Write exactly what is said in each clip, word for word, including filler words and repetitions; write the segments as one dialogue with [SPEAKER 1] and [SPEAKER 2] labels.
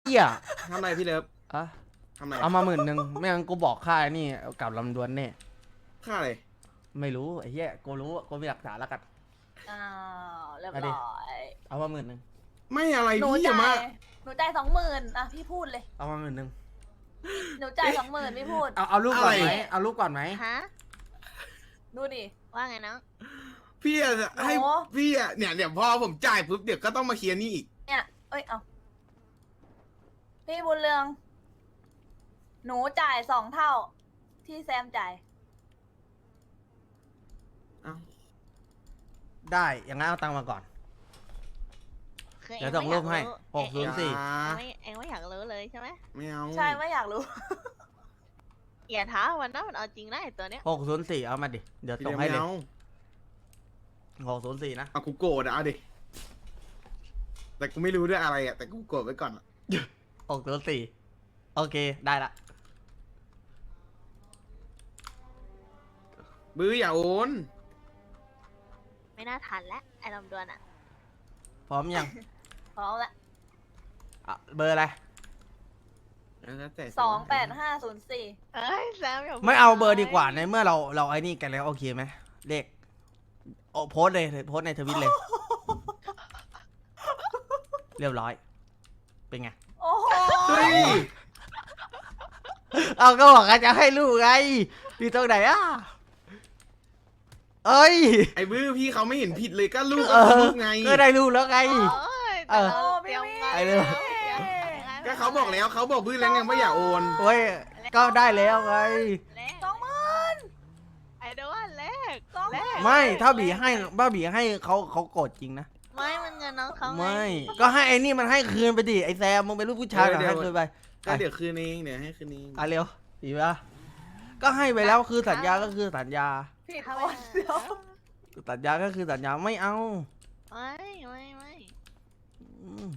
[SPEAKER 1] เหี้ย
[SPEAKER 2] ทำไรพี่เลิฟ
[SPEAKER 1] อะ
[SPEAKER 2] ทำไร
[SPEAKER 1] เอามาหมื่นหนึ่งไม่งั้นกูบอกค่านี่กับลำดวนแน่
[SPEAKER 2] ค่าอะไร
[SPEAKER 1] ไม่รู้ไอ้เหี้ยกูรู้กูมีหลักฐานแล้วกัน
[SPEAKER 3] อ้าวเรียบ
[SPEAKER 1] เอาดิ
[SPEAKER 3] ร้อย
[SPEAKER 1] เอามาหมื่นหนึ่ง
[SPEAKER 2] ไม่อะไร
[SPEAKER 3] หนู
[SPEAKER 2] พี่อย่า
[SPEAKER 3] จ่าย
[SPEAKER 2] มา
[SPEAKER 3] หนูจ่ายสองหมื่นอ่ะพี่พูดเลย
[SPEAKER 1] เอามาหมื่นหนึ่ง
[SPEAKER 3] หนูจ่ายสองหมื่นพี่พูด
[SPEAKER 1] เอาเอาลูกก่อนไหม
[SPEAKER 2] อะไร
[SPEAKER 1] เอาลูกก่อนไหม
[SPEAKER 4] ฮะ
[SPEAKER 3] ดูดิ
[SPEAKER 4] ว่าไงน้อง
[SPEAKER 2] พี่อะให้
[SPEAKER 3] โอ้
[SPEAKER 2] พี่อะเนี่ยเดี๋ยวพอผมจ่ายปุ๊บเดี๋ยวก็ต้องมาเคลียร์หนี่อีก
[SPEAKER 3] เนี่ยเอ้ยเอาพี่บุญเรือง หนูจ่ายสองเท่า ที่แซมจ่าย
[SPEAKER 2] เอ้า
[SPEAKER 1] ได้อย่างงั้นเอาตังค์มาก่อน
[SPEAKER 4] คือ
[SPEAKER 1] เดี๋ยว
[SPEAKER 4] เอ็
[SPEAKER 1] ส่งรูปให้
[SPEAKER 4] ไม่อยาก
[SPEAKER 1] หกศูนย์สี่
[SPEAKER 2] อย่า
[SPEAKER 4] เอ็งไม่เอ็งไม่อยากรู้เลยใช่ไหม
[SPEAKER 2] ไม่เอา
[SPEAKER 3] ใช่ไม่อยากรู้
[SPEAKER 4] อย่าท้ามันนะมันเอาจริงนะไอตัวเนี้ย
[SPEAKER 1] หกศูนย์สี่เอามาดิเดี๋ยว
[SPEAKER 2] พี่
[SPEAKER 1] ส่
[SPEAKER 2] เลิ
[SPEAKER 1] ง
[SPEAKER 2] ฟ
[SPEAKER 1] ให้
[SPEAKER 2] ไม่
[SPEAKER 1] เลย
[SPEAKER 2] เอา
[SPEAKER 1] หกศูนย์สี่นะ
[SPEAKER 2] เอากูโกรธอะเอาดิแต่กูไม่รู้ด้วยอะไรอะแต่กูโกรธไว้ก่อนอะ
[SPEAKER 1] หกศูนย์สี่โอเคได้ละ
[SPEAKER 2] บื้ออย่าโอน
[SPEAKER 4] ไม่น่าทันแล้วไอ้ลำดวนอ่ะ
[SPEAKER 1] พร้อมยัง
[SPEAKER 3] พร้อมละ
[SPEAKER 1] อ่ะเบอร์อะไร
[SPEAKER 2] แล้วแต่
[SPEAKER 3] สองแปดห้าศูนย์สี่
[SPEAKER 4] เอ้ยแซมอย่าพู
[SPEAKER 1] ไม่เอาเบอร์ดีกว่าในเมื่อเราเราไอ้นี่กันแล้วโอเคไหมเลขโอ้โพสต์เลยโพสต์ในทวิตเลย เรียบร้อย เป็นไง
[SPEAKER 3] โอ้โห
[SPEAKER 2] เฮ้ย
[SPEAKER 1] เอาก็บอกว่าจะให้ลูกไงอยู่ตรงไหนอ่ะเอ้ย
[SPEAKER 2] ไอ้บื้อพี่เขาไม่เห็นผิดเลยก็ลูก
[SPEAKER 1] เอ
[SPEAKER 2] ก็
[SPEAKER 1] อ
[SPEAKER 2] ลูกไง
[SPEAKER 1] ก็ได้ลูกแล้วไง
[SPEAKER 4] โอ้ย
[SPEAKER 1] เอ
[SPEAKER 4] แต่
[SPEAKER 1] อ
[SPEAKER 4] เราเตรียมงาน
[SPEAKER 1] ไอ้เรื่อง
[SPEAKER 2] ก็เขาบอกแล้วเขาบอกบื้อแล้วไงว่าอย่าโอน
[SPEAKER 1] โอ้ยก็ได้แล้วไง
[SPEAKER 4] แลก
[SPEAKER 3] สองหมื่น
[SPEAKER 4] ไอ้เดยวว่าแลก
[SPEAKER 3] สอง
[SPEAKER 4] แลก
[SPEAKER 1] ไม่ถ้าบีให้บ้าบีให้เขาเขาโกรธจริงนะ
[SPEAKER 4] ไม่มันเงินน้องเขาง
[SPEAKER 1] ไม่ ก็ให้ไอ้นี่มันให้คืนไปดิไอ้แซมมึงเป็นลูกผู้ชาย
[SPEAKER 2] เออ
[SPEAKER 1] เหรอ
[SPEAKER 2] เดี๋ยว
[SPEAKER 1] ให้คืนไป
[SPEAKER 2] ก็เดี๋ยวคืนเองเดี๋ยวให้คืนเอง
[SPEAKER 1] อ่ะเร็วดีปะก็ให้ไปแล้วคือสัญญาก็คือสัญญา
[SPEAKER 3] ผิด
[SPEAKER 4] เข้า
[SPEAKER 3] ค
[SPEAKER 4] ไป
[SPEAKER 3] นเดียว
[SPEAKER 1] สัญญาก็คือสัญญาไม่เอา
[SPEAKER 4] ไม่ไม่ไม่
[SPEAKER 1] อืม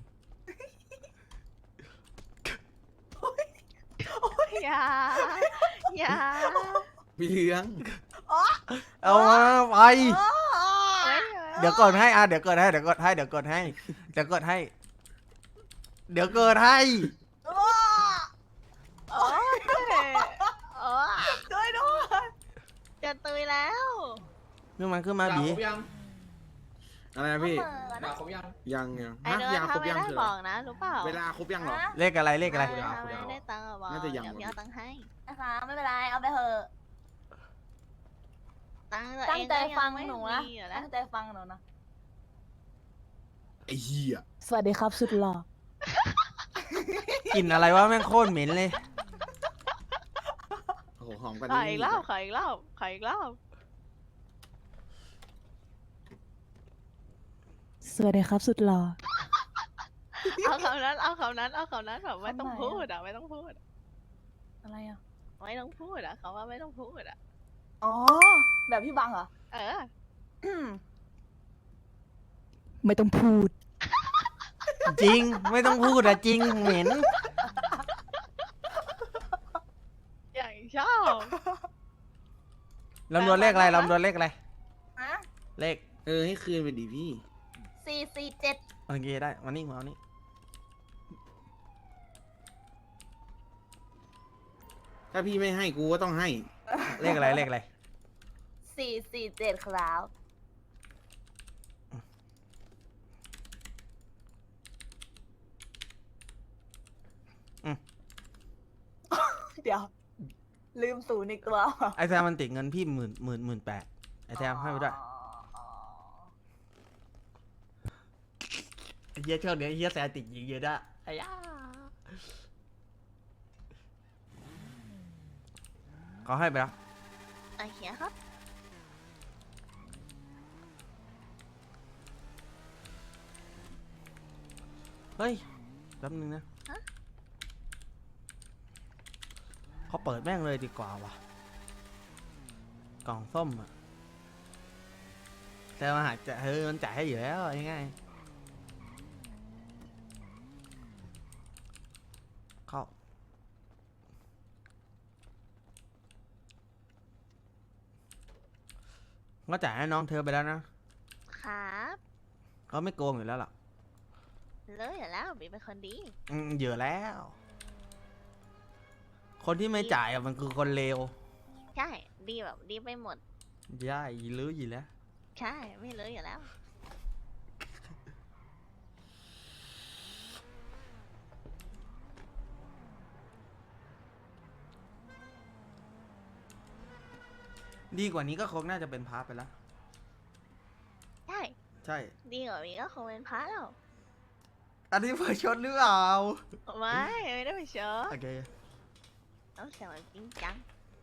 [SPEAKER 4] อย่าอย่า
[SPEAKER 2] พี่เลี้ยง
[SPEAKER 1] เอามาไป
[SPEAKER 4] เฮ้ย
[SPEAKER 1] เดี๋ยวกดให้อ่ะเดี๋ยวกดให้เดี๋ยวกดให้เดี๋ยวกดให้เดี๋ยวกดให้ เดี๋ยวกดให้
[SPEAKER 4] โอ้ยโอ้ย
[SPEAKER 3] ด้วยด้วย
[SPEAKER 4] จะตุยแล้ว
[SPEAKER 1] ขึ้นมาขึ้นมาบี
[SPEAKER 2] อะไรนะพี่
[SPEAKER 3] เหมือน
[SPEAKER 5] ครบยัง
[SPEAKER 2] ยังยัง
[SPEAKER 4] ไอ้
[SPEAKER 2] ฮะ
[SPEAKER 4] เดิน
[SPEAKER 2] ยาคร
[SPEAKER 4] ถ้า
[SPEAKER 2] บ
[SPEAKER 4] ไม่
[SPEAKER 2] ยัง
[SPEAKER 4] ได้
[SPEAKER 2] คือ
[SPEAKER 4] บ
[SPEAKER 2] อะ
[SPEAKER 4] อกนะรู้เปล่า
[SPEAKER 2] ไรเวลาครบยังเหรอ
[SPEAKER 3] ฮะ
[SPEAKER 1] เลขอะไรเลขอะไร
[SPEAKER 4] ไม่ถ้าไม่ได้ตังค์อะบอก
[SPEAKER 2] น่าจะยัง
[SPEAKER 4] เดี๋ยวพี่เอาตังค์ให้
[SPEAKER 3] นะคะไม่เป็นไรเอาไปเถอะ
[SPEAKER 4] ตังค์ตัว
[SPEAKER 3] ตั้
[SPEAKER 4] เอง ง
[SPEAKER 3] ใจ
[SPEAKER 4] ก็ยั
[SPEAKER 3] ฟัง
[SPEAKER 4] ไม่
[SPEAKER 3] หนูนะ
[SPEAKER 4] มีอยู่แล้ว
[SPEAKER 3] ตั้งใจฟังหนูนะ
[SPEAKER 2] ไอ้เหี้ย
[SPEAKER 3] สวัสดีครับสุดหล่อก
[SPEAKER 1] ลิ่นอะไรวะแม่งโคตรเหม็นเลย
[SPEAKER 2] โอ้โหหอมกัน
[SPEAKER 4] ขออีกรอบขออีกรอบขออีกรอบ
[SPEAKER 6] สวัสดีครับสุดหล่อ
[SPEAKER 4] เอาคำนั้นเอาคำนั้นเอาคำนั้นแบบไม่ต้องพูดอ่ะไม่ต้องพูด
[SPEAKER 3] อะไรอ่ะ
[SPEAKER 4] ไม่ต้องพูดอ่ะเขาว่าไม่ต้องพูดอ่ะ
[SPEAKER 3] อ๋อ แบบพี่บังเหรอ
[SPEAKER 4] เออ
[SPEAKER 6] ไม่ต้องพูด
[SPEAKER 1] จริงไม่ต้องพูดอะจริงเหม็น
[SPEAKER 4] อย่างชอบ
[SPEAKER 1] ลำดวนเลขอะไรลำดวนเลขอะไร
[SPEAKER 3] ฮะ
[SPEAKER 1] เลข
[SPEAKER 2] เออให้คืนไปดิพี่
[SPEAKER 3] สี่สี่เจ็ด
[SPEAKER 1] โอเคได้มานี่มาเอานี่
[SPEAKER 2] ถ้าพี่ไม่ให้กูก็ต้องให้
[SPEAKER 1] เลขอะไรเลขอะไร
[SPEAKER 3] สี่สี่เจ็ดครับ เดี๋ยว ลืมศูนย์อีกตัว
[SPEAKER 1] ไอแซมมันติดเงินพี่หมื่นหมื่นหมื่นแปดไอแซมให้ไปด้วย
[SPEAKER 3] อ๋อ
[SPEAKER 1] ไอเฮียช่วงนี้ไอ้เฮียแซมติดยิงเยอะด้วยไอ้ย่าเขาให้ไปแล้ว
[SPEAKER 4] โอเคครับ
[SPEAKER 1] เฮ้ยแป๊บนึงนะเขาเปิดแม่งเลยดีกว่าว่ะกล่องส้มอะแต่มาหาจะเฮ้ยมันจ่ายให้อยู่แล้วง่ายๆเข้าก็จ่ายให้น้องเธอไปแล้วนะครับ เขาไม่โกงอยู่แล้วล่ะ
[SPEAKER 4] เลยอยู่แล้วบีเป็นคนดี
[SPEAKER 1] อืมเยอะแล้ว คนที่ไม่จ่ายอะมันคือคนเลว
[SPEAKER 4] ใช่ดีแบบดีไปหมด
[SPEAKER 1] ย่าอีลืออยู่แล้ว
[SPEAKER 4] ใช่ไม่เลยอยู่แล้ว
[SPEAKER 1] ดีกว่านี้ก็คงน่าจะเป็นพาร์ทไปแล้ว
[SPEAKER 4] ใช่
[SPEAKER 1] ใช่
[SPEAKER 4] ดีกว่าบีก็คงเป็นพระแล้ว
[SPEAKER 1] อันนี้เผยชดหรือเปล่า
[SPEAKER 4] ไม่ไม่ได้ไปเชอ
[SPEAKER 1] โอเค
[SPEAKER 4] ต้องเสียงแบบจริงจัง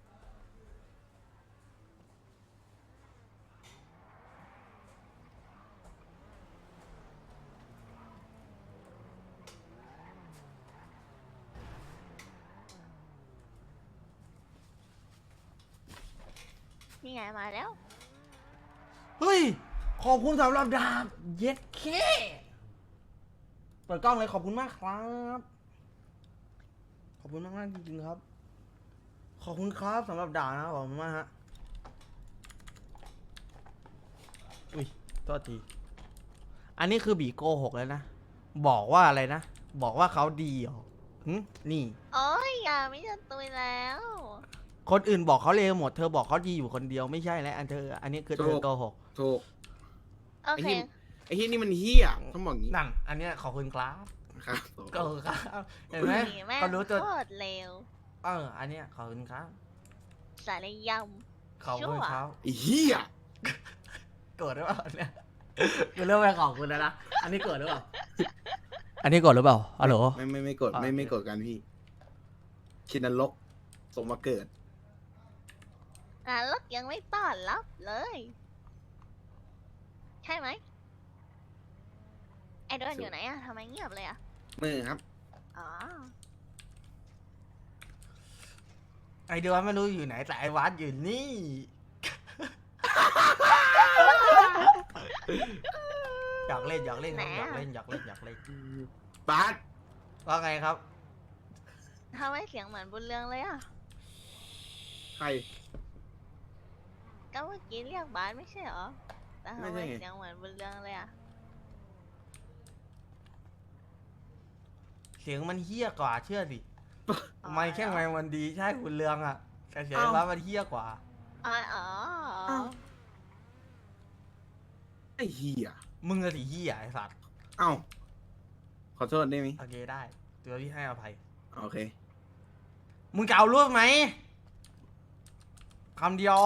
[SPEAKER 4] นี่ไงมาแล้ว
[SPEAKER 1] เฮ้ย ขอบคุณสำหรับดาบ เย็ดเคเปิดกล้องเลยขอบคุณมากครับ ขอบคุณมากมากๆจริงๆครับ ขอบคุณครับสำหรับดาบนะขอบคุณมากฮะ อุ้ยโทษที อันนี้คือบีโกหกแล้วนะ บอกว่าอะไรนะ บอกว่าเขาดีเหรอหึนี่
[SPEAKER 4] โอ้ยอย่าไม่จะตุยแล้ว
[SPEAKER 1] คนอื่นบอกเขาเลวหมด เธอบอกเขาดีอยู่คนเดียวไม่ใช่แล้วอันเธอ อันนี้คือเธอโกหก
[SPEAKER 2] ถูก
[SPEAKER 4] โอเค
[SPEAKER 2] ไอ้เฮียนี่มันเฮียต้องบอกงี้
[SPEAKER 1] นั่น อันเนี้ยขอบคุณครับ
[SPEAKER 2] ครับ
[SPEAKER 1] ก็ครับ เห็นไหม
[SPEAKER 4] นี่แม่ง
[SPEAKER 1] เขารู้ตัว
[SPEAKER 4] โคตรเร็ว
[SPEAKER 1] เออ อันเนี้ยขอบคุณครับ
[SPEAKER 4] สารย
[SPEAKER 1] ขอบคุณครับ
[SPEAKER 2] ไอ้เฮีย
[SPEAKER 1] โกรธหรือเปล่าเนี่ยกูเริ่มไปขอบคุณแล้วนะ อันนี้โกรธหรือเปล่า อันนี้โกรธหรือเปล่าฮัลโหล
[SPEAKER 2] ไม่ไม่ไม่กดไม่
[SPEAKER 1] อ่า
[SPEAKER 2] ไม่กดกันพี่ชินนรกส่งมาเกิด
[SPEAKER 4] ำนรกยังไม่ต้อนรับเลย ใช่ไหมไอ้เดินอยู่ไหนอะทำไมเงียบเลยอะ
[SPEAKER 2] มือครับ
[SPEAKER 4] อ๋อ
[SPEAKER 1] ไอเดือนไม่รู้อยู่ไหนแต่ไอวัดอยู่นี่ อยากเล่นอยากเล่นครับอยากเล่นอยากเล่นอยากเล่น
[SPEAKER 2] บาส
[SPEAKER 1] ว่าไงครับ
[SPEAKER 4] ทำไมเสียงเหมือนบุญเรืองเลยอะ
[SPEAKER 2] ใคร
[SPEAKER 4] ก็เมื่อกี้เรียกบาสไม่ใช่เหรอ แต่ทำ
[SPEAKER 2] ไม่
[SPEAKER 4] ไม
[SPEAKER 2] ใช่ไง
[SPEAKER 4] เสียงเหมือนบุญเรืองเลยอะ
[SPEAKER 1] เสียงมันเฮี้ยกว่าเชื่อสิ
[SPEAKER 4] อ๋อ
[SPEAKER 1] ไม่แค่ไม่มันดีใช่คุณเรืองอ่ะแต่เสียงไอ้วัดมันเฮี้ยกว่า
[SPEAKER 4] อ๋ออ๋อ
[SPEAKER 2] ไอ้เฮีย
[SPEAKER 1] มึงอะสิเฮี้ยไอสัตว์
[SPEAKER 2] เอ้าขอโทษได้ไหม
[SPEAKER 1] โอเคได้ตัวพี่ให้อภัย
[SPEAKER 2] โอเค
[SPEAKER 1] มึงจะเอารูปไหมคำเดียว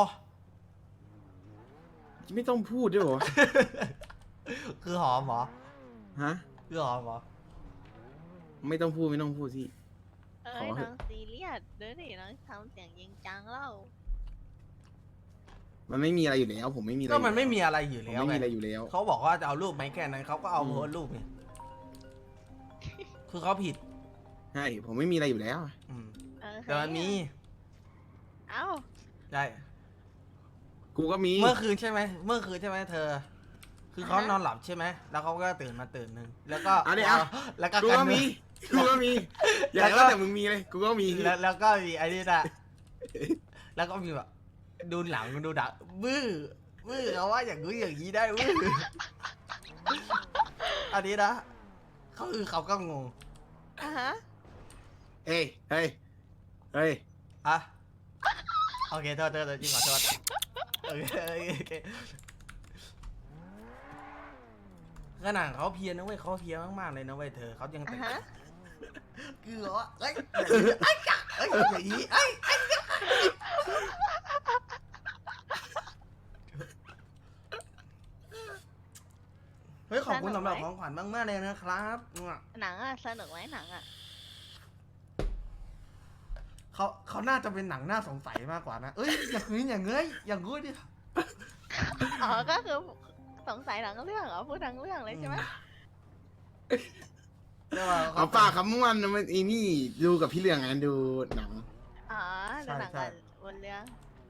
[SPEAKER 2] ไม่ต้องพูดด้วยเหรอ
[SPEAKER 1] คือหอมเหรอ
[SPEAKER 2] ฮะ
[SPEAKER 1] คือหอมเหรอ
[SPEAKER 2] ไม่ต้องพูดไม่ต้องพูดที่
[SPEAKER 4] เอ้
[SPEAKER 2] ข
[SPEAKER 4] ย
[SPEAKER 2] อเถ
[SPEAKER 4] น้
[SPEAKER 2] อะ
[SPEAKER 4] องซีเรียสเดี๋ยวดิน้องทำเสียงยิงจังเล่า
[SPEAKER 2] มันไม่มีอะไรอยู่แล้ว ผมไม่มีอะไร
[SPEAKER 1] ก็มันไม่มี
[SPEAKER 2] อยู่
[SPEAKER 1] อะไรอยู่
[SPEAKER 2] ผม
[SPEAKER 1] แล้ว
[SPEAKER 2] ไม่
[SPEAKER 1] ไง
[SPEAKER 2] มีอะไรอยู่แล้ว
[SPEAKER 1] เขาบอกว่าจะเอารูปไหมแค่นั้นเขาก็เอา
[SPEAKER 2] อืม
[SPEAKER 1] โพสต์รูปไงคือเขาผิด
[SPEAKER 2] ใช่ผมไม่มีอะไรอยู่แล้ว
[SPEAKER 1] อืม
[SPEAKER 4] เออ
[SPEAKER 1] แต่มันมี
[SPEAKER 4] เอ้า
[SPEAKER 1] ใช่
[SPEAKER 2] กูก็มี
[SPEAKER 1] เมื่อคืนใช่ไหมเมื่อคืนใช่ไหมเธอ คือเขานอนหลับใช่ไหมแล้วเขาก็ตื่นมาตื่นหนึ่งแล้วก็
[SPEAKER 2] อันนี้อ่ะ
[SPEAKER 1] แล้วก็
[SPEAKER 2] กู
[SPEAKER 1] กัน
[SPEAKER 2] ก็มีกูก็มี อย่า
[SPEAKER 1] แล้วก็
[SPEAKER 2] ว่าแต่มึงมีเลย กูก็มี
[SPEAKER 1] แล้วแล้วก็มีไอ้นี่นะแล้วก็มีแบบดูหลังดูดักบื้อบื้อเขาว่าอย่างนู้นอย่างนี้ได้บื้ออันนี้นะเขาคือเขาก็งง
[SPEAKER 4] อ่ะฮะ
[SPEAKER 2] เอ้ยเฮ้ยเฮ้ย
[SPEAKER 1] อ่ะโอเคโทษโทษโทษจริงขอโทษโอเคโอเคโอเคขนาดเขาเพียรนะเว้ยเขาเพียรมากๆเลยนะเว้ยเธอเขายัง
[SPEAKER 4] อ่ะ
[SPEAKER 1] แต่ง
[SPEAKER 4] ฮะ
[SPEAKER 1] คือเหรอเอ้ยไอ้จ๊ะเอ้ยอย่างนี้ไอ้ไอ้จ๊ะเฮ้ยขอบคุณสำหรับของขวัญมากๆเลยนะครับ
[SPEAKER 4] หนังอะสนุกไหมหนังอะ
[SPEAKER 1] เขาเขาน่าจะเป็นหนังน่าสงสัยมากกว่านะเอ้ยอย่างนี้อย่างเงยอย่างงู้ดิ
[SPEAKER 4] อ๋อก็คือสงสัยหนังเรื่องเหรอพูดทั้งเรื่องเลยใช่ไหม
[SPEAKER 1] เรียกว่า
[SPEAKER 2] เอาปากคำมันมันไอ้นี่ดูกับพี่เรืองไงดูหนัง
[SPEAKER 4] อ๋อดูหนังกันบนเรื่อง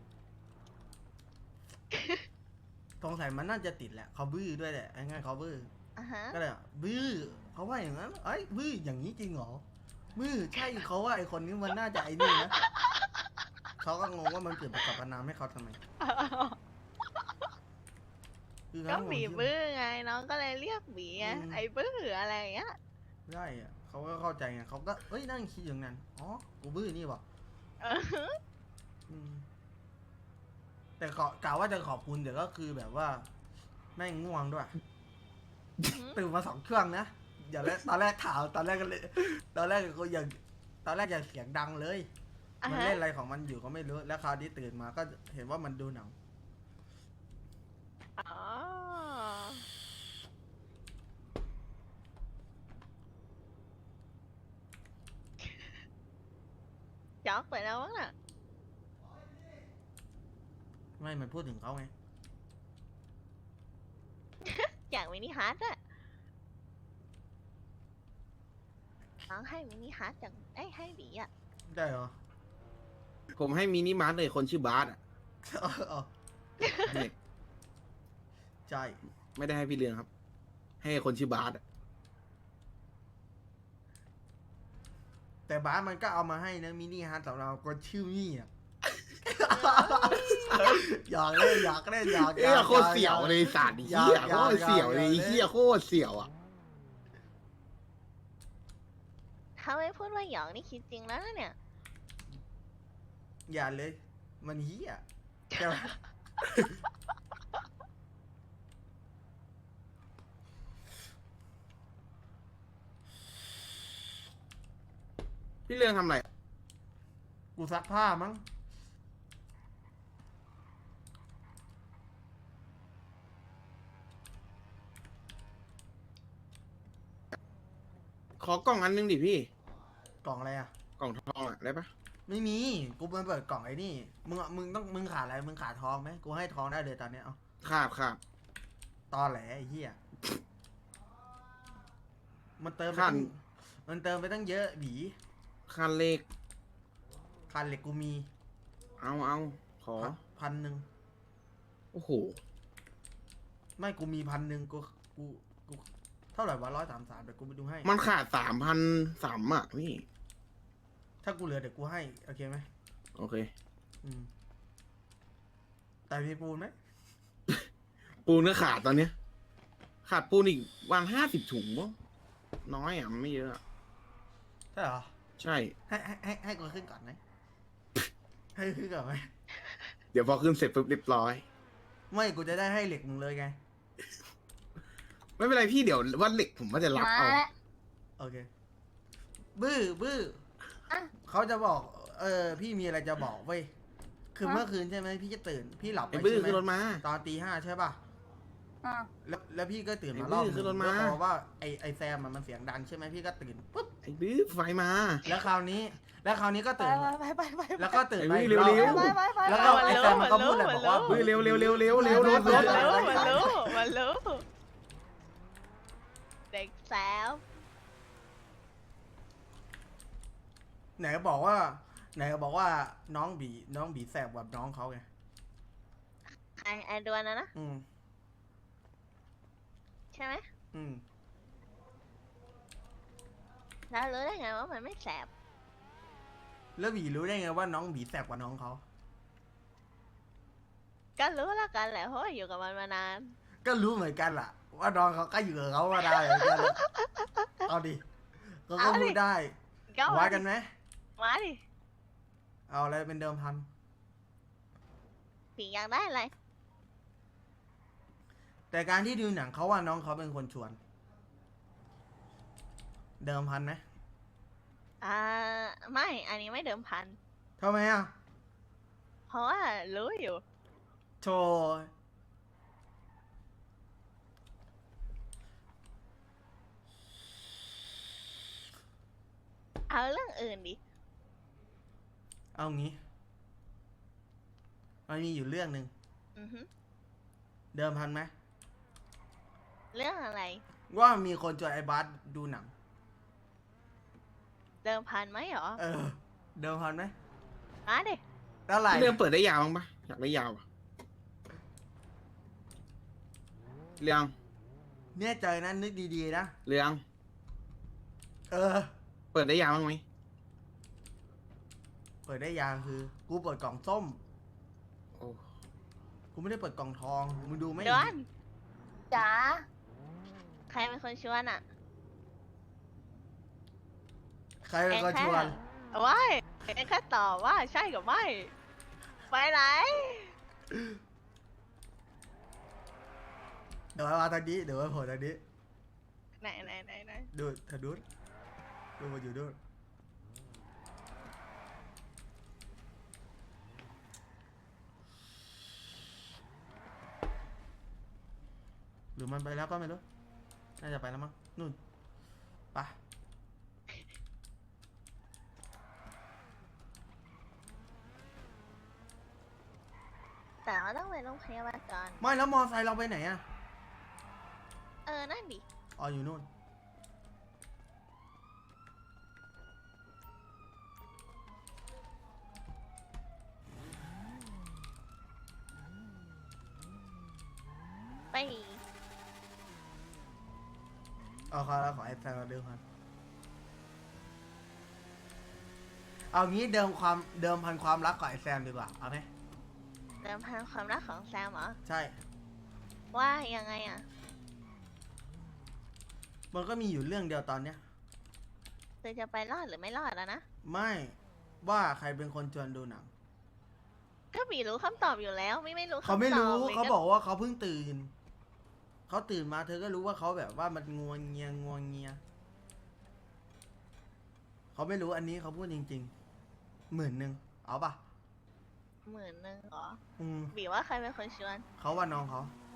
[SPEAKER 1] สงสัยมันน่าจะติดแหละเขาบื้อด้วยแหละไอ้ง่ายเขาบื้อ
[SPEAKER 4] อ่ะฮะ
[SPEAKER 1] ก็เลยอ่ะบื้อเขาว่าอย่างนั้นเอ้ยบื้ออย่างนี้จริงเหรอบื้อใช่เขาว่าไอ้คนนี้มันน่าจะไอ้นี่นะเขาก็งงว่ามันเปลี่ยนประกับประนามให้เขาทำไมคือ
[SPEAKER 4] ก็
[SPEAKER 1] เขา
[SPEAKER 4] บี
[SPEAKER 1] ผมชื่
[SPEAKER 4] บื้อไงน้องก็เลยเรียกบีไง
[SPEAKER 1] อืม
[SPEAKER 4] ไอ้บื้ออะไรอย่างเงี้ย
[SPEAKER 1] ได้อะเขาก็เข้าใจไงเขาก็เอ้ยนั่งคิดอย่างนั้นอ๋อกูบื้อนี่บอก
[SPEAKER 4] เออ
[SPEAKER 1] อืมแต่ขอกล่าวว่าจะขอบคุณแต่ก็คือแบบว่าแม่งง่วงด้วย ตื่นมาสองเครื่องนะอย่าแรกตอนแรกข่าวตอนแรกก็เลย ตอนแรกก็ยังตอนแรกยังเสียงดังเลย
[SPEAKER 4] อ่ะ
[SPEAKER 1] มัน
[SPEAKER 4] ฮะ
[SPEAKER 1] เล่นอะไรของมันอยู่ก็ไม่รู้ แล้วคราวนี้ตื่นมาก็เห็นว่ามันดูหนัง
[SPEAKER 4] อ๋อจ๊อกไปแล้วมั้งน่ะ
[SPEAKER 1] ไม่ มันพูดถึงเขาไง
[SPEAKER 4] อยากมินิฮาร์ดอะน้องให้มินิฮาร์ดจากไอ้ยให้บีอะ
[SPEAKER 1] ได้เหรอ
[SPEAKER 2] ผมให้มินิมาร์ทเลยคนชื่อบาสอ่ะ
[SPEAKER 1] อ๋อ
[SPEAKER 2] นี่
[SPEAKER 1] ใช่
[SPEAKER 2] ไม่ได้ให้พี่เรืองครับ ให้คนชื่อบาสอะ
[SPEAKER 1] แต่บ้าสมันก็เอามาให้นะมินิฮาร์ดสำหรับคนชื่อมี่อ่ะ อยากเล่นอยากเล่นอยาก
[SPEAKER 2] เอ้ยโคตรเสี่ยวเลยสาดเหี้ยโคตรเสี่ยวเลยเหี้ยโคตรเสี่ยวอ่ะ
[SPEAKER 4] ถ้าไม่พูดว่าหยองนี่คิดจริงแล้วนะเนี่ย
[SPEAKER 1] อย่าเลย มันเฮียใช่ไหม
[SPEAKER 2] พี่เรืองทำอะไร
[SPEAKER 1] กูซักผ้ามั้ง
[SPEAKER 2] ขอกล่องอันนึงดิพี่
[SPEAKER 1] กล่องอะไรอ่ะ
[SPEAKER 2] กล่องทองอ่ะได้ปะ
[SPEAKER 1] ไม่มี กูมาเปิดกล่องไอ้นี่ มึงอะมึงต้องมึงขาดอะไร มึงขาดทองไหมกูให้ทองได้เลยตอนเนี้ยเอา
[SPEAKER 2] ขาดขาด
[SPEAKER 1] ตอแหลไอ้เหี้ย มันเติมไป
[SPEAKER 2] ขั้
[SPEAKER 1] ตั้
[SPEAKER 2] น
[SPEAKER 1] งมันเติมไปตั้งเยอะบี
[SPEAKER 2] คันเลข
[SPEAKER 1] คันเหล็กกูมี
[SPEAKER 2] เอาเอาขอ
[SPEAKER 1] พันหนึ่ง
[SPEAKER 2] โอ้โห
[SPEAKER 1] ไม่กูมีพันหนึ่งกูกูกูเท่าไหร่วะร้อยสามสามเดี๋ยวกูไปดูให้
[SPEAKER 2] มันขาดสามพันสามอ่ะพี่
[SPEAKER 1] ถ้ากูเหลือเดี๋ยวกูให้ โอเคไหม
[SPEAKER 2] โอเค
[SPEAKER 1] อืม แต่มีปูนไหม
[SPEAKER 2] ปูนก็ขาดตอนเนี้ย ขาดปูนอีกวันห้าสิบถุงมั้งน้อยอ่ะมันไม่เยอะอะ
[SPEAKER 1] ใช่เหรอ
[SPEAKER 2] ใช่
[SPEAKER 1] ให้ให้ให้ให้กูขึ้นก่อนไหม ให้ขึ้นก่อนไหม
[SPEAKER 2] เดี๋ยวพอขึ้นเสร็จปุ๊บเรียบร้อย
[SPEAKER 1] ไม่กูจะได้ให้เหล็กมึงเลยไง
[SPEAKER 2] ไม่เป็นไรพี่เดี๋ยววันเหล็กผมว่าจะรับ
[SPEAKER 3] มา
[SPEAKER 2] เอา
[SPEAKER 3] แล้ว
[SPEAKER 1] โอเค บื้อบื้อ
[SPEAKER 3] อ่ะ
[SPEAKER 1] เขาจะบอก เออ พี่มีอะไรจะบอกเว้ย คือ
[SPEAKER 3] ฮะ
[SPEAKER 1] เมื่อคืนใช่ไหมพี่จะตื่น พี่หลับไป
[SPEAKER 2] ไอ้บื้อ
[SPEAKER 1] ใช่ไหม
[SPEAKER 2] คือรถมา
[SPEAKER 1] ตอนตีห้าใช่ป่ะ
[SPEAKER 3] อ่ะ
[SPEAKER 1] แล้วแล้วพี่ก็ตื่น
[SPEAKER 2] ไอ้
[SPEAKER 1] มารอบ
[SPEAKER 2] บื้อคือรถ
[SPEAKER 1] ห
[SPEAKER 2] ม้า
[SPEAKER 1] นึ่งแล้วพอว่าไอไอแซมอะมันเสียงดังใช่ไหมพี่ก็ตื่นปุ๊บ
[SPEAKER 2] ไอ้บื้อไฟมา
[SPEAKER 1] แล้วคราวนี้ แล้วคราวนี้ก็
[SPEAKER 3] ไป
[SPEAKER 1] ตื่น
[SPEAKER 3] ไปไปไปไป
[SPEAKER 1] แล้วก็ตื่นไป
[SPEAKER 2] ไอ้
[SPEAKER 1] อีก
[SPEAKER 2] บื้
[SPEAKER 1] ร
[SPEAKER 2] อ
[SPEAKER 1] อบ
[SPEAKER 2] เร็ว
[SPEAKER 3] ไปไปไป
[SPEAKER 1] แล้วก็ไอแซมมันก็พูดเลยบอกว่า
[SPEAKER 2] บื้อเร็วเร็วเร็วเร็วเร็วเร็วรถร
[SPEAKER 4] มัน
[SPEAKER 2] ถ
[SPEAKER 4] รู้มันรู้มันรู้เด็กแซว
[SPEAKER 1] ไหนก็บอกว่า ไหนก็บอกว่าน้องบีน้องบีแสบกว่าน้องเขาไง
[SPEAKER 4] ไอไอดวนนะนะ
[SPEAKER 1] อืม
[SPEAKER 4] ใช่ไหม
[SPEAKER 1] อืม
[SPEAKER 4] แล้วรู้ได้ไงว่ามันไม่แสบ
[SPEAKER 1] แล้วบีรู้ได้ไงว่าน้องบีแสบกว่าน้องเขา
[SPEAKER 4] ก็รู้แล้วกันแหละเพราะว่าอยู่กับมันมานาน
[SPEAKER 1] ก็รู้เหมือนกันล่ะ ว่าน้องเขาก็อยู่กับเขามาได้เหมือนกันล่ะเอาดิเขาก็พูดได้
[SPEAKER 4] ก็
[SPEAKER 1] วัดกันไหม
[SPEAKER 4] มาดิ
[SPEAKER 1] เอาอะไรเป็นเดิมพัน
[SPEAKER 4] ผีอยากได้อะไร
[SPEAKER 1] แต่การที่ดูหนังเขาว่าน้องเขาเป็นคนชวน เดิมพันไหม
[SPEAKER 4] อ่าไม่อันนี้ไม่เดิมพัน
[SPEAKER 1] ทำไมอ่ะ
[SPEAKER 4] เพราะว่ารู้อยู่
[SPEAKER 1] โชว์
[SPEAKER 4] เอาเรื่องอื่นดิ
[SPEAKER 1] เอางี้มันมีอยู่เรื่องหนึ่ง
[SPEAKER 4] อือฮึ
[SPEAKER 1] เดิมพันไหม
[SPEAKER 4] เรื่องอะไร
[SPEAKER 1] ว่ามีคนชวนไอ้บาสดูหนัง
[SPEAKER 4] เดิมพันไหมหรอ
[SPEAKER 1] เออ เดิมพันไหม
[SPEAKER 4] มาดิ
[SPEAKER 1] เท่าไหร่
[SPEAKER 2] เรื่องเปิดได้ยาวบ้างปะอยากได้ยาวอะเรื่อง
[SPEAKER 1] เนี่ยใจนั้นนึกดีๆนะ
[SPEAKER 2] เรื่อง
[SPEAKER 1] เออ
[SPEAKER 2] เปิดได้ยาวบ้างไหม
[SPEAKER 1] เปิดได้ยางคือ กูเปิดกล่องส้ม
[SPEAKER 2] โอ้
[SPEAKER 1] กูไม่ได้เปิดกล่องทอง มึงดูไหม
[SPEAKER 4] ดวน
[SPEAKER 3] จ๋า
[SPEAKER 4] ใครเป็นคนชวนอ่ะ
[SPEAKER 1] ใครเป็นคนชวน
[SPEAKER 4] ว้ายเองแค่ตอบว่าใช่กับไม่ ไปไหน
[SPEAKER 1] เดี๋ยวมาทางนี้เดี๋ยวมาโผล่ทางนี้
[SPEAKER 4] ไหนไหนไหนไหน
[SPEAKER 1] ดูทางนู้นดูมาอยู่นู้นหรือมันไปแล้วก็ไม่รู้น่าจะไปแล้วมั้งนู่นไป
[SPEAKER 4] แต่ว่าต้องไปโรงพยาบาลก่อน
[SPEAKER 1] ไม่แล้วมอไซค์เราไปไหนอะ
[SPEAKER 4] เออ นั่นดิ
[SPEAKER 1] อ๋ออยู่นู่น
[SPEAKER 4] ไป
[SPEAKER 1] เอาขอขอไอ้แฟนเราเดิมพันเอางี้เดิมความเดิมพันความรักกับไอ้แซมดีกว่าเอาไหม
[SPEAKER 4] เดิมพันความรักของแซมเหรอ
[SPEAKER 1] ใช่
[SPEAKER 4] ว่ายังไงอ่ะ
[SPEAKER 1] มันก็มีอยู่เรื่องเดียวตอนเนี้ย
[SPEAKER 4] เธอจะไปรอดหรือไม่รอดแล้วนะ
[SPEAKER 1] ไม่ว่าใครเป็นคนชวนดูหนัง
[SPEAKER 4] ก็มีรู้คำตอบอยู่แล้ว ไม่ไม่รู้คำตอบ
[SPEAKER 1] เขาไม่รู้
[SPEAKER 4] ลย
[SPEAKER 1] เขาบอกว่าเขาเพิ่งตื่นเขาตื่นมาเธอก็รู้ว่าเขาแบบว่ามันงวงเงียงวงเงียเขาไม่รู้อันนี้เขาพูดจริงๆหมื่นหนึ่งเอาปะ
[SPEAKER 4] หมื่นหนึ่งเหรอ
[SPEAKER 1] อืม
[SPEAKER 4] บีว่าใครเป็นคนชวน
[SPEAKER 1] เขาว่าน้องเขา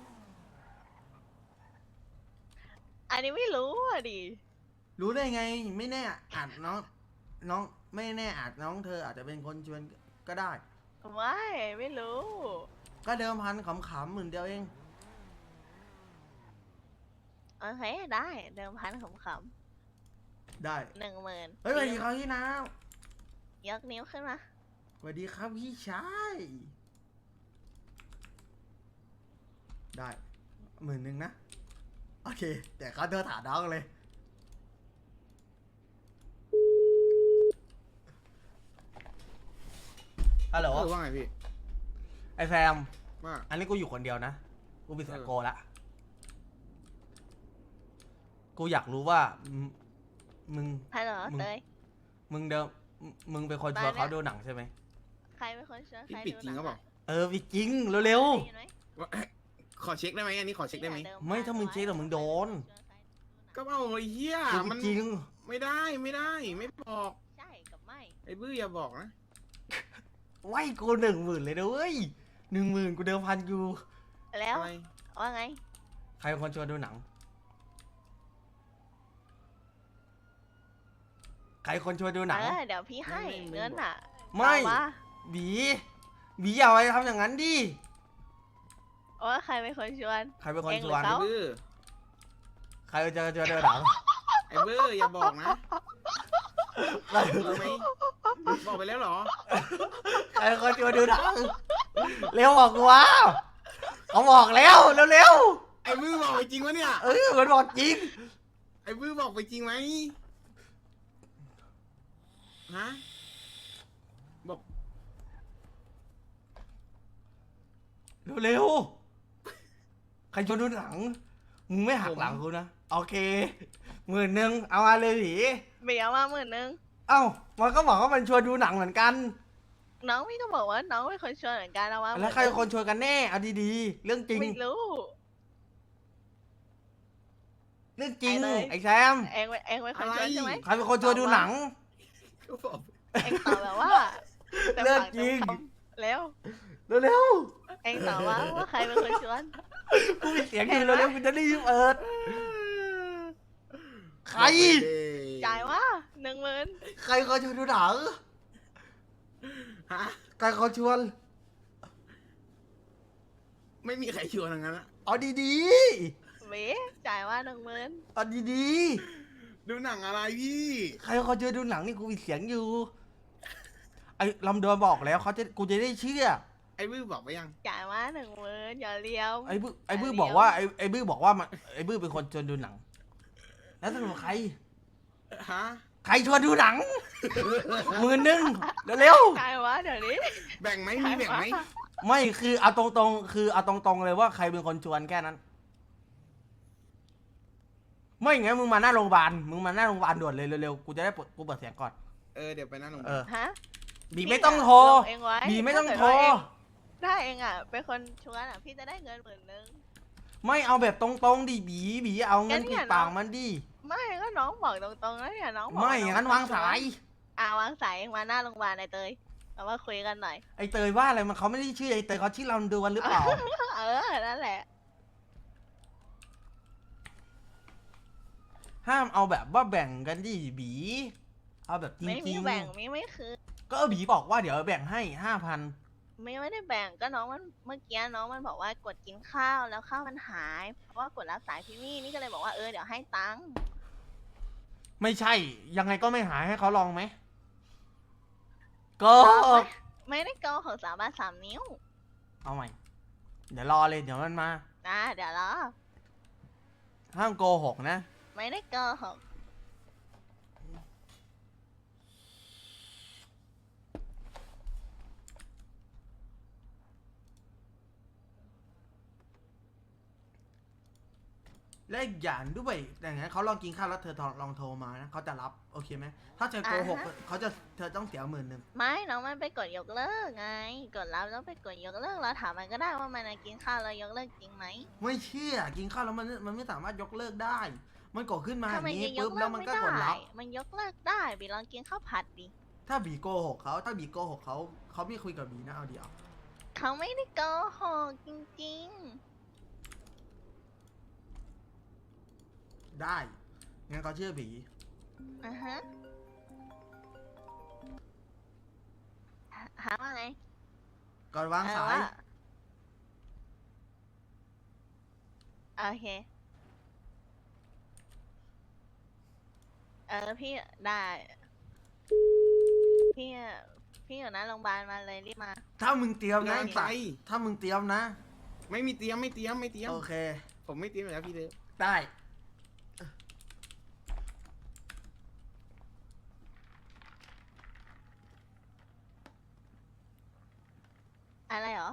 [SPEAKER 4] อันนี้ไม่รู้อ่ะดิ
[SPEAKER 1] รู้ได้ไงไม่แน่อาจน้องน้องไม่แน่อาจน้องเธออาจจะเป็นคนชวนก็ได้
[SPEAKER 4] ไม่ไม่รู้
[SPEAKER 1] ก็เดิมพันขำๆหมื่นเดียวเอง
[SPEAKER 4] โอเคได้เดิมพันขำ
[SPEAKER 1] ได้
[SPEAKER 4] ๆหนึ่งหมื่น
[SPEAKER 1] เฮ้ยสวัสดีครับพี่น้
[SPEAKER 4] ยกนิ้วขึ้นมา
[SPEAKER 1] ำสวัสดีครับพี่ชายได้หมื่นหนึ่งนะโอเคแต่เขาเธอถามน้องเลยฮัลโหล
[SPEAKER 2] เออว่าไงพี่
[SPEAKER 1] ไอแซม
[SPEAKER 2] ว่า
[SPEAKER 1] อันนี้กูอยู่คนเดียวนะ กูเป็นสายโกละ กูอยากรู้ว่ามึงมึง
[SPEAKER 4] ฮัลโหล
[SPEAKER 1] มึง
[SPEAKER 4] เตย
[SPEAKER 1] มึงเดิมมึงเป็นคนชวน
[SPEAKER 4] มาแล้ว
[SPEAKER 1] เขาดูหนังใช่ไหม
[SPEAKER 4] ใครเป็นคนชวน
[SPEAKER 2] พี่
[SPEAKER 4] ใคร
[SPEAKER 2] ปิด
[SPEAKER 4] ดู
[SPEAKER 2] จริง
[SPEAKER 4] หนั
[SPEAKER 2] ก็บอก
[SPEAKER 1] เออพี่จริงเร็ว
[SPEAKER 4] ได้ยินไหม
[SPEAKER 2] ว่าขอเช็คได้ไหมอันนี้ขอเช็คได้ไหม
[SPEAKER 1] ๆ ไม่ถ้ามึงเช็คเดี๋ยวมึงโดน
[SPEAKER 2] ก็เอาไอ้เหี้ย
[SPEAKER 1] กู
[SPEAKER 2] มัน
[SPEAKER 1] จริง
[SPEAKER 2] ไม่ได้ไม่ได้ไม่บอก
[SPEAKER 4] ใช่กับไม่
[SPEAKER 2] ไอ้บื้ออย่าบอกนะ
[SPEAKER 1] ไว้กูหนึ่งหมื่นเลยนะเว้ยหนึ่งหมื่นกูเดิมพันอยู่
[SPEAKER 4] แล้ว
[SPEAKER 2] อะไร
[SPEAKER 4] ว่าไง
[SPEAKER 1] ใครเป็นคนชวนดูหนัง ใครคนชวนดูหนัง
[SPEAKER 4] เออเดี๋ยวพี่ให้เงินอ่ะ
[SPEAKER 1] ไม่
[SPEAKER 4] เอาว่า
[SPEAKER 1] บีบีอย่าไปทำอย่างนั้นดิ
[SPEAKER 4] ว่าใครเป็นคนชวน
[SPEAKER 1] ใครเป็นคน
[SPEAKER 4] เอง
[SPEAKER 1] ช
[SPEAKER 4] หรือ
[SPEAKER 1] วน
[SPEAKER 4] เขา
[SPEAKER 2] ไอ้บื้อ
[SPEAKER 1] ใครจะชวนดูหนัง
[SPEAKER 2] ไอ้บื้ออย่าบอกนะ
[SPEAKER 1] ใคร
[SPEAKER 2] รู้ไหมบอกไปแล้วเหรอ
[SPEAKER 1] ใครเป็นคนชวนดูหนัง เร็วบอกกูว่าเขาบอกแล้วเร็ว
[SPEAKER 2] ไอ้บื้อบอกไปจริงวะเนี่ย
[SPEAKER 1] ๆเออมันบอกจริง
[SPEAKER 2] ไอ้บื้อบอกไปจริงไหมฮะบอก
[SPEAKER 1] เร็วๆ ใครชวนดูหนัง มึงไม่หักหลังกูนะ โอเคหมื่นหนึ่งเอามาเลยผี
[SPEAKER 4] เบียร์มาหมื่นหนึ่ง
[SPEAKER 1] เอ้า มันก็บอกว่ามันชวนดูหนังเหมือนกัน
[SPEAKER 4] น้องพี่ก็บอกว่าน้องเป็นคนชวนเหมือนกันเอามา
[SPEAKER 1] แล้วใครเป็นคนชวนกันแน่ เอาดีๆ เรื่องจริง
[SPEAKER 4] ไม่รู้
[SPEAKER 1] เรื่องจริง
[SPEAKER 4] ไอ้เลย
[SPEAKER 1] ไอ้แซม
[SPEAKER 4] เองเองเป็นคนชวนใช่ไหม
[SPEAKER 1] ใครเป็นคนชวนดูหนัง
[SPEAKER 2] ก็บอก
[SPEAKER 4] เองตอบแบบว่าต็ม
[SPEAKER 1] เรื่อง
[SPEAKER 4] ปาก
[SPEAKER 1] จริง
[SPEAKER 4] ต็มคำแล้ว
[SPEAKER 1] เร็ว
[SPEAKER 4] เองตอบว่าว่าใครเป็นคนชวน
[SPEAKER 1] ๆ กูมีเสียงอยู่เร็วๆกูจะรีบเปิด ใคร
[SPEAKER 4] จ่ายว่าหนึ่งหมื่น
[SPEAKER 1] ใครเขาชวนดูหนัง
[SPEAKER 2] ฮะ
[SPEAKER 1] ใครเขาชวน
[SPEAKER 2] ไม่มีใครชวนทั้งนั้นอะ
[SPEAKER 1] เอาดี
[SPEAKER 4] เบียจ่ายว่าหนึ่งหมื่น
[SPEAKER 1] ๆ เอาดี
[SPEAKER 2] ดูหนังอะไรพี่
[SPEAKER 1] ๆ ใครเขาชวนดูหนังนี่กูมีเสียงอยู่ ไอ้ลำดวนบอกแล้วเขาจะกูจะได้เชื่อ
[SPEAKER 2] ไอ้บื้อบอกไปยัง
[SPEAKER 4] จ่ายว่าหนึ่งหมื่นอย่าเลี้ยว
[SPEAKER 1] ไอ้บื้อไอ้บื้อ
[SPEAKER 4] เดี๋ยว
[SPEAKER 1] บอกว่าไอ้ไอ้บื้อบอกว่ามันไอ้บื้อเป็นคนชวนดูหนัง แล้วสรุปใคร
[SPEAKER 2] ฮะ
[SPEAKER 1] ใครชวนดูหนัง หมื่นหนึ่งเร็ว
[SPEAKER 4] จ่ายว่าเดี๋ยวนี้
[SPEAKER 2] แบ่งไหมมีแบ่งไหม
[SPEAKER 1] ๆ ไม่คือเอาตรงๆ คือเอาตรงๆเลยว่าใครเป็นคนชวนแค่นั้นไม่งั้นมึงมาหน้าโรงพยาบาลมึงมาหน้าโรงพยาบาลด่วนเลยเร็วๆกูจะได้เปิดกูเปิดเสียงก่อน
[SPEAKER 2] เออเดี๋ยวไปนั่งลง
[SPEAKER 1] เออ
[SPEAKER 4] ฮะ
[SPEAKER 1] บีไม่ต้องโทร
[SPEAKER 4] ลงเองไว้
[SPEAKER 1] บีไม่ต้องโทร
[SPEAKER 4] ถ้าเองอ่ะเป็นคนชวนอ่ะพี่จะได้เงินหมื่นนึง
[SPEAKER 1] ไม่เอาแบบตรงๆดิบีบีเอาเงิน
[SPEAKER 4] งั้นเนี่
[SPEAKER 1] ปิ
[SPEAKER 4] ย
[SPEAKER 1] ดปาก
[SPEAKER 4] น้อง
[SPEAKER 1] มันดิ
[SPEAKER 4] ไม่ก็น้องบอกตรงๆแล้วเนี่ยน้องบอก
[SPEAKER 1] ไม่
[SPEAKER 4] น้
[SPEAKER 1] งั้นวางสาย
[SPEAKER 4] อ่าวางสายเองมาหน้าโรงพยาบาลไอเตยเอามาคุยกันหน่อย
[SPEAKER 1] ไอเตยว่าอะไรมันเขาไม่ได้ชื่อไอเตยเขาชื่อลำดวนหรือเปล่า
[SPEAKER 4] เออนั่นแหละ
[SPEAKER 1] ห้ามเอาแบบว่าแบ่งกันดิบี เอาแบบจ
[SPEAKER 4] ไม่
[SPEAKER 1] ริ
[SPEAKER 4] มี
[SPEAKER 1] ง
[SPEAKER 4] แบ่งมีไม่คือ
[SPEAKER 1] ๆก็เออบีบอกว่าเดี๋ยวแบ่งให้ห้าพัน
[SPEAKER 4] ไม่ไม่ได้แบ่งก็น้องมันเมื่อกี้น้องมันบอกว่ากดกินข้าวแล้วข้าวมันหายเพราะว่ากดรับสายพี่มี่นี่ก็เลยบอกว่าเออเดี๋ยวให้ตังค์
[SPEAKER 1] ไม่ใช่ ยังไงก็ไม่หายให้เขาลองไหมก็
[SPEAKER 4] ไม่ได้โกหกสามบาทสามนิ้ว
[SPEAKER 1] เอาใหม่ เดี๋ยวรอเลยเดี๋ยวมันมา
[SPEAKER 4] อ่าเดี๋ยวรอ
[SPEAKER 1] ห้ามโกหกนะ
[SPEAKER 4] ไม่ได้โกหก
[SPEAKER 1] และอีกอย่างด้วยอย่างนั้นเขาลองกินข้าวแล้วเธอลองโทรมานะเขาจะรับโอเคไหมถ้าเธอโกหกเขาจะเธอต้องเสียหมื่นหนึ่ง
[SPEAKER 4] ไม่น้องมันไปกดยกเลิกไง กดรับแล้วไปกดยกเลิกเราถามมันก็ได้ว่ามันน่ะกินข้าวแล้วยกเลิกจริงไหม
[SPEAKER 1] ไม่เชื่อกินข้าวแล้วมันมันไม่สามารถยกเลิกได้ มันกดขึ้นมาอ
[SPEAKER 4] ถ้า
[SPEAKER 1] ย่าง
[SPEAKER 4] มัน
[SPEAKER 1] นี้
[SPEAKER 4] ยังย
[SPEAKER 1] ปุ๊บ
[SPEAKER 4] กเลิ
[SPEAKER 1] แล้ว
[SPEAKER 4] ก
[SPEAKER 1] มัน
[SPEAKER 4] ไม่
[SPEAKER 1] ก็
[SPEAKER 4] ได้
[SPEAKER 1] กดรับ
[SPEAKER 4] มันยกเลิกได้บีลองกินข้าวผัดดิ
[SPEAKER 1] ถ้าบีโกหกเขาถ้าบีโกหกเขาเขาไม่คุยกับบีนะเอาเดียว
[SPEAKER 4] เขาไม่ได้โกหกจริง
[SPEAKER 1] ได้งั้นเขาเชื่อบี
[SPEAKER 4] ๆอ่ะฮะหาหาว่าไง
[SPEAKER 1] ก่อนวาง
[SPEAKER 4] เออ
[SPEAKER 1] สาย
[SPEAKER 4] ว่าโอเค เออพี่ได้ พี่พี่อยู่นะโรงพยาบาลมาเลยรีบมา
[SPEAKER 1] ถ้ามึงเตรียมนะ
[SPEAKER 2] งานไป
[SPEAKER 1] ถ้ามึงเตรียมนะ
[SPEAKER 2] ไม่มีเตรียมไม่เตรียมไม่เตรียม
[SPEAKER 1] โอเค
[SPEAKER 2] ผมไม่เตรียมอยู่แล้วพี่เด้อ
[SPEAKER 1] ได้
[SPEAKER 4] อะไรเหรอ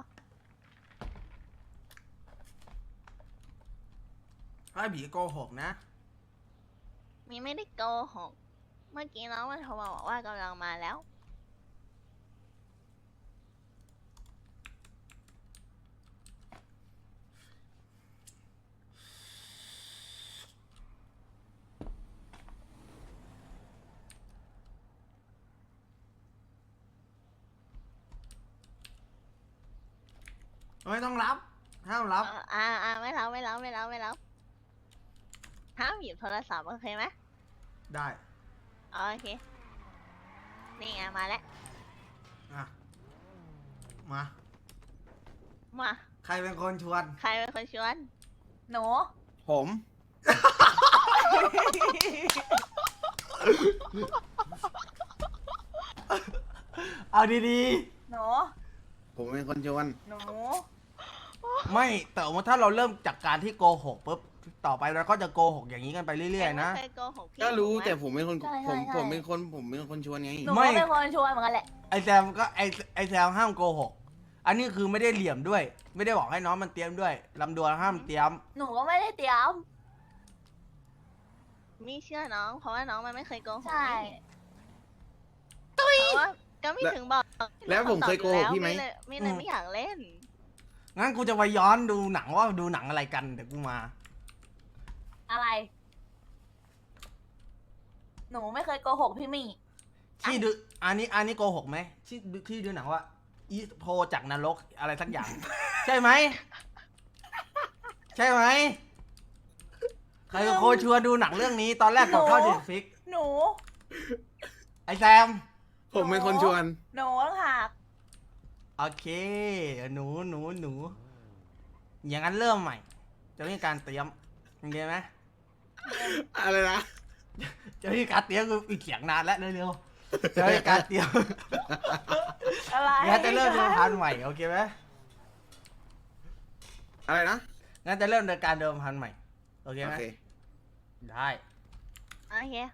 [SPEAKER 1] ถ้าบีโกหกนะ
[SPEAKER 4] มีไม่ได้โกหก เมื่อกี้น้องมันโทรมาบอกว่ากำลังมาแล้ว
[SPEAKER 1] ไม่ต้องรับ ห้ามรับ
[SPEAKER 4] เอ่ออ่าอ่าไม่รับไม่รับไม่รับไม่รับห้ามหยิบโทรศัพท์โอเคไหม
[SPEAKER 1] ได้
[SPEAKER 4] โอเค นี่ไงมาแล้ว
[SPEAKER 1] อ่ะ มา
[SPEAKER 4] มา
[SPEAKER 1] ใครเป็นคนชวน
[SPEAKER 4] ใครเป็นคนชวน
[SPEAKER 3] หนู
[SPEAKER 2] ผม
[SPEAKER 1] เอาดี
[SPEAKER 3] หนู ผม
[SPEAKER 2] เป็นคนชวน
[SPEAKER 3] หนู
[SPEAKER 1] ๆ ไม่ แต่ว่าถ้าเราเริ่มจากการที่โกหกปุ๊บ ต่อไปเราก็จะโกหกอย่างนี้กันไปเรื่อยๆนะ
[SPEAKER 4] ไม่เคยโกหกพี่
[SPEAKER 2] ก็รู้
[SPEAKER 4] ถูไหม
[SPEAKER 2] แต่ผมเป็นคน
[SPEAKER 3] ใช่
[SPEAKER 2] ผม
[SPEAKER 3] ใช่
[SPEAKER 2] ผมเป็นคนผมเป็นคนชวนไง
[SPEAKER 3] หนู
[SPEAKER 1] ไม่
[SPEAKER 3] ก็เป็นคนชวนเหมือนกันแหละ
[SPEAKER 1] ไอแซมก็ไอไอแซมห้ามโกหก อันนี้คือไม่ได้เหลี่ยมด้วย ไม่ได้บอกให้น้องมันเตรียมด้วยลำดวนห้ามเตรียม
[SPEAKER 3] หนูก็ไม่ได้เตรียม
[SPEAKER 4] มีเชื่อน้อง เพราะว่าน้องมันไม่เคยโกหก
[SPEAKER 3] ใช่
[SPEAKER 4] นี่เพราะว่าก็ไม่ถึงบอก
[SPEAKER 2] แล้วผมเคยโกหกพี่ไหม
[SPEAKER 4] เลยไม่เลยไม่อยากเล่น
[SPEAKER 1] งั้นกูจะไปย้อนดูหนังว่าดูหนังอะไรกันเดี๋ยวกูมา
[SPEAKER 3] อะไร หนูไม่เคยโกหกพี่มี่
[SPEAKER 1] ที่ดู อันนี้อันนี้โกหกไหมที่ดูที่ดูหนังว่าอีโพจากนรกอะไรสักอย่าง ใช่ไหม ใช่ไหม ใครเป็นคนชวนดูหนังเรื่องนี้ ตอนแรกกดเข้าเด็ดฟิก
[SPEAKER 3] หนู
[SPEAKER 1] ไอแซม
[SPEAKER 2] ผมเป็นคนชวน
[SPEAKER 3] หนูต้องหัก
[SPEAKER 1] โอเค หนูหนูหนู อย่างนั้นเริ่มใหม่ จะมีการเตรียมโอเคไหม
[SPEAKER 2] อะไรนะ
[SPEAKER 1] จะมีการเตรียมคืออีกเสียงนานแล้วเร็วๆจะมีการเตรียม
[SPEAKER 3] อะไร
[SPEAKER 1] งั้นจะเริ่มเดิมพันใหม่โอเคไหม
[SPEAKER 2] อะไรนะ
[SPEAKER 1] งั้นจะเริ่มเดินการเดิมพันใหม่โอเค
[SPEAKER 2] โอ
[SPEAKER 1] ไหม
[SPEAKER 2] เค
[SPEAKER 1] ได้
[SPEAKER 4] โอเค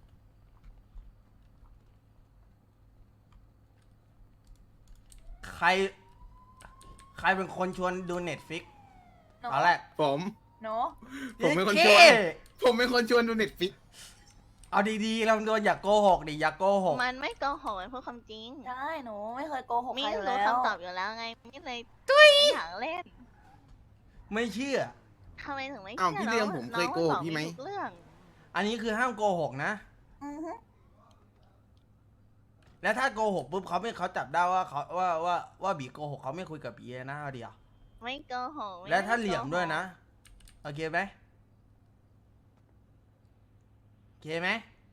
[SPEAKER 1] ใคร ใครเป็นคนชวนดูเน็ตฟิก
[SPEAKER 3] หนู
[SPEAKER 1] ตอนแรก
[SPEAKER 2] ผม
[SPEAKER 3] หนู
[SPEAKER 2] ผมเป็นคนช
[SPEAKER 1] เย้
[SPEAKER 2] วนผมเป็นคนชวนดูเน็ตฟิก
[SPEAKER 1] เอาดีๆลำดวนอย่าโกหกดิอย่าโกหก
[SPEAKER 4] มันไม่โกหกมันพูดความจริง
[SPEAKER 3] ใช่หนูไม่เคยโกหก
[SPEAKER 4] มี
[SPEAKER 3] ใครอยู่
[SPEAKER 4] รู้
[SPEAKER 3] แล้ว
[SPEAKER 4] คำตอบอยู่แล้วไงไม่เลยไม่อยากเล่น
[SPEAKER 1] ไม่เชื่อ
[SPEAKER 4] ทำไมถึงไม่
[SPEAKER 2] อ้าว
[SPEAKER 4] เชื่
[SPEAKER 2] พี่
[SPEAKER 4] อ
[SPEAKER 2] เลี้ยง
[SPEAKER 4] น้
[SPEAKER 2] ผม
[SPEAKER 4] น้
[SPEAKER 2] เคยโกหก
[SPEAKER 4] ตอบ
[SPEAKER 2] พี่ไหม
[SPEAKER 4] ทุกเรื่อง
[SPEAKER 1] อันนี้คือห้ามโกหกนะ
[SPEAKER 3] อือฮึ
[SPEAKER 1] แล้วถ้าโกหกปุ๊บเขาไม่เขาจับได้ว่าเขาว่าว่าว่าบีโกหกเขาไม่คุยกับบีนะเอาเดียว
[SPEAKER 4] ไม่โกหกไม่
[SPEAKER 1] และถ้า
[SPEAKER 4] ไโก
[SPEAKER 1] เหลี่ยมด้วยนะโอเคไหมโอเคไหม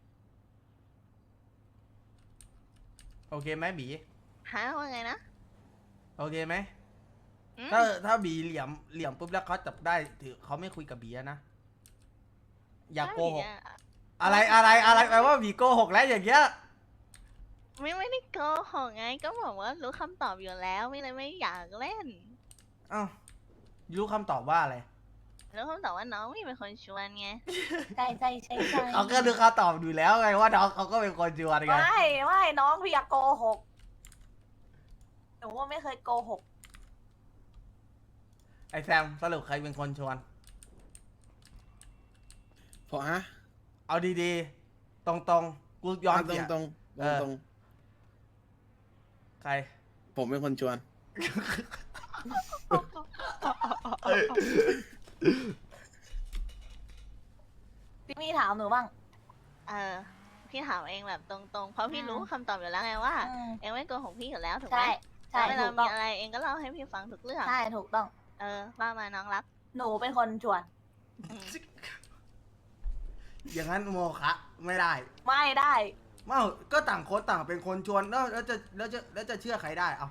[SPEAKER 1] โอเคไหมบี
[SPEAKER 4] หาว่าไงนะ
[SPEAKER 1] โอเคไหม
[SPEAKER 4] อืม
[SPEAKER 1] ถ้าถ้าบีเหลี่ยมเหลี่ยมปุ๊บแล้วเขาจับได้ถือเขาไม่คุยกับบีนะอย่าโกหก
[SPEAKER 4] ใช่อะ
[SPEAKER 1] อะไรอะไรอะไรแปลว่าบีโกหกแล้วอย่างเงี้ย
[SPEAKER 4] ไม่ไม่ได้โกหกไงก็บอกว่ารู้คำตอบอยู่แล้วไม่เลยไม่อยากเล่น
[SPEAKER 1] อ้าวรู้คำตอบว่าอะไร
[SPEAKER 4] รู้คำตอบว่าน้องไม่เป็นคนชวนไง
[SPEAKER 3] ใช่ใช่ใช่ใช่
[SPEAKER 1] เขาก็รู้คำตอบอยู่แล้วไงว่าน้องเขาก็เป็นคนชวนไง
[SPEAKER 3] ไม่ไม่น้องพี่อยากโกหกหนูว่าไม่เคยโกหก
[SPEAKER 1] ไอแซมสรุปใครเป็นคนชวน
[SPEAKER 2] พอฮะ
[SPEAKER 1] เอาดีๆ ตรงๆ กูยอม
[SPEAKER 2] ตร
[SPEAKER 1] เสี
[SPEAKER 2] ง
[SPEAKER 1] ย
[SPEAKER 2] ตรง
[SPEAKER 1] เออ
[SPEAKER 2] ตรง
[SPEAKER 1] ใคร
[SPEAKER 2] ๆผมเป็นคนชวน
[SPEAKER 3] พี่มี่ถามหนูบ้าง
[SPEAKER 4] เออพี่ถามเองแบบตรงๆ เพราะพี่
[SPEAKER 3] อืม
[SPEAKER 4] รู้คำตอบอยู่แล้วไงว่า
[SPEAKER 3] อืม
[SPEAKER 4] เองไม่โกหกพี่อยู่แล้วถูกไหม
[SPEAKER 3] ใช่ใช่
[SPEAKER 4] แล้วเว
[SPEAKER 3] ถู
[SPEAKER 4] ลาก
[SPEAKER 3] ต้
[SPEAKER 4] มี
[SPEAKER 3] อง
[SPEAKER 4] อะไรเองก็เล่าให้พี่ฟังทุกเรื่อง
[SPEAKER 3] ใช่ถูกต้อง
[SPEAKER 4] เออว่ามาน้องรัก
[SPEAKER 3] หนูเป็นคนชวน
[SPEAKER 4] อืม
[SPEAKER 1] อย่างนั้นโมคะไม่ได้
[SPEAKER 3] ไม่ได้
[SPEAKER 1] เอ้าก็ต่างคนต่างเป็นคนชวนแล้วแล้วจะแล้วจะแล้วจะเชื่อใครได้เอา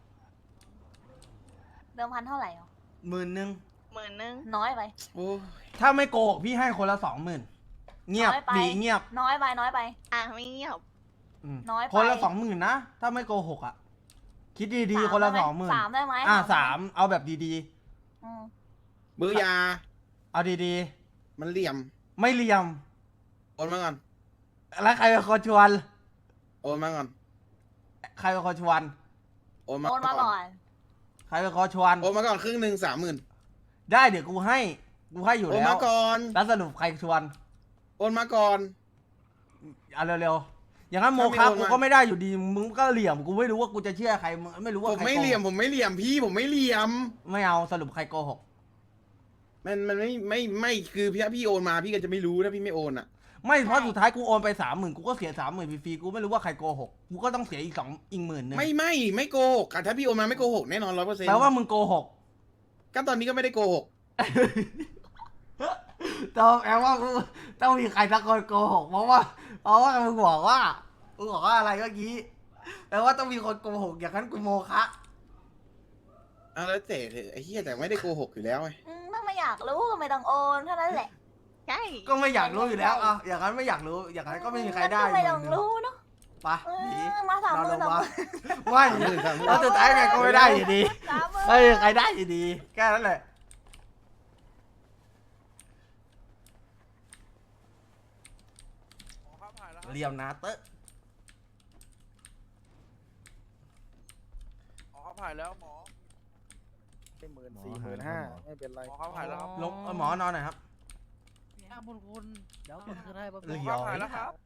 [SPEAKER 3] เดิมพันเท่าไหร่หรอ
[SPEAKER 1] หมื่นหนึ่ง
[SPEAKER 4] หมื่นนึง
[SPEAKER 3] น้อยไป
[SPEAKER 2] โอ้ย
[SPEAKER 1] ถ้าไม่โกหกพี่ให้คนละสองหมื่นเงียบ
[SPEAKER 3] น้อยไป
[SPEAKER 1] บีเงียบ
[SPEAKER 3] น้อยไปน้อยไป
[SPEAKER 4] อ่ะไม่เงียบ
[SPEAKER 1] อืม
[SPEAKER 3] น้อยไป
[SPEAKER 1] คนละสองหมื่นนะ ถ้าไม่โกหกอ่ะ คิดดี
[SPEAKER 3] สา
[SPEAKER 1] ๆ คนละ
[SPEAKER 3] ได้
[SPEAKER 1] ส
[SPEAKER 3] ไ
[SPEAKER 1] องหมื่น
[SPEAKER 3] สามได้ไหม
[SPEAKER 1] อ่า
[SPEAKER 3] ได้ไห
[SPEAKER 1] สามเอาแบบดี
[SPEAKER 3] อืม
[SPEAKER 2] เบื่อยา
[SPEAKER 1] ๆ เอาดี
[SPEAKER 2] มันเหลี่ยม
[SPEAKER 1] ๆ ไม่เหลี่ยม
[SPEAKER 2] โอนมาก่อน
[SPEAKER 1] แล้วใครเป็นคนชวน
[SPEAKER 2] โอนมาก่อน
[SPEAKER 1] ใครเป็นคนชวน
[SPEAKER 2] โอนมา
[SPEAKER 3] โอนมาก่อน
[SPEAKER 1] ใครเป็นคนชวน
[SPEAKER 2] โอนมาก่อนครึ่งหนึ่งสามหมื่น
[SPEAKER 1] ได้เดี๋ยวกูให้ กูให้อยู่
[SPEAKER 2] โอน
[SPEAKER 1] แล้ว
[SPEAKER 2] มาก่อน
[SPEAKER 1] แล้วสรุปใครชวน
[SPEAKER 2] โอนมาก่อน
[SPEAKER 1] เอาเร็วๆ อย่างนั้นโม
[SPEAKER 2] ถ้า
[SPEAKER 1] คะ
[SPEAKER 2] ไม่โอน
[SPEAKER 1] กู
[SPEAKER 2] มา
[SPEAKER 1] ก็ไม่ได้อยู่ดี มึงก็เหลี่ยม กูไม่รู้ว่ากูจะเชื่อใคร มึงไม่รู้ว่า
[SPEAKER 2] ผม
[SPEAKER 1] ใคร
[SPEAKER 2] ไม่
[SPEAKER 1] โก
[SPEAKER 2] เหลี่ยม
[SPEAKER 1] หก
[SPEAKER 2] ผมไม่เหลี่ยมพี่ผมไม่เหลี่ยม
[SPEAKER 1] ไม่เอาสรุปใครโกหก
[SPEAKER 2] มันมันไม่ไม่ไม่คือพี่พี่โอนมาพี่ก็จะไม่รู้ถ้าพี่ไม่โอนอ่ะ
[SPEAKER 1] ไม่เพราะสุดท้ายกูโอนไปสามหมื่นกูก็เสียสามหมื่นฟรีๆ กูไม่รู้ว่าใครโกหก กูก็ต้องเสียอีกสองอีกหมื่นหนึ่ง
[SPEAKER 2] ไม่ไม่ไม่โกหกอ่ะถ้าพี่โอนมาไม่โกหกแน่นอนร้อยเปอร์เซ็นต์
[SPEAKER 1] แปลว่ามึงโกหก
[SPEAKER 2] ก็ตอนนี้ก็ไม่ได้โกหก
[SPEAKER 1] ต้องแปลว่ากูต้องมีใครสักคนโกหก เพราะว่า เพราะว่ามึงบอกว่า มึงบอกว่าอะไรเมื่อกี้ แปลว่าต้องมีคนโกหก อย่างนั้นกูโมคะ
[SPEAKER 2] อ่ะแล้วแต่เถอะไอ้เหี้ยแต่ไม่ได้โกหกอยู่แล้วไง
[SPEAKER 3] อืมถ้าไม่อยากรู้ก็ไม่ต้องโอนเท่านั้นแหละ
[SPEAKER 4] ใช่
[SPEAKER 1] ก็ไม่อยากรู้อยู่แล้วอ่ะอย่างนั้นไม่อยากรู้ อย่างนั้นก็ไม่มีใครได้
[SPEAKER 3] ก็ไม่ต้องรู้เนาะ
[SPEAKER 1] ไป
[SPEAKER 3] เอ
[SPEAKER 1] หนี
[SPEAKER 3] อมาสาม
[SPEAKER 1] นอน
[SPEAKER 3] ห
[SPEAKER 1] ล
[SPEAKER 3] มื่น
[SPEAKER 1] ง
[SPEAKER 3] สาม
[SPEAKER 1] มา
[SPEAKER 3] หมื่น
[SPEAKER 1] ไม่แล้วสุดท้ายไงก็ไม่ได้อยู่ดี
[SPEAKER 3] สามหมื่น
[SPEAKER 1] ไม่มีใครได้อยู่ดี แค่นั้นแหละ เรียมนาเตอร์
[SPEAKER 5] หมอเขาผ่านแล้วหมอ
[SPEAKER 7] เป็นหมื่นสี่หมื่นห้าไม่เป็นไร
[SPEAKER 5] หมอเขาผ่านแล้วครับ
[SPEAKER 1] ลงเอาหมอนอนหน่อยครับ
[SPEAKER 8] อ่ะบุญคุณ เดี๋ยวคุณคืนให้แป๊บ
[SPEAKER 1] เหลื
[SPEAKER 8] นึง
[SPEAKER 1] อ
[SPEAKER 5] หมอเขาผ่านแล้วครับ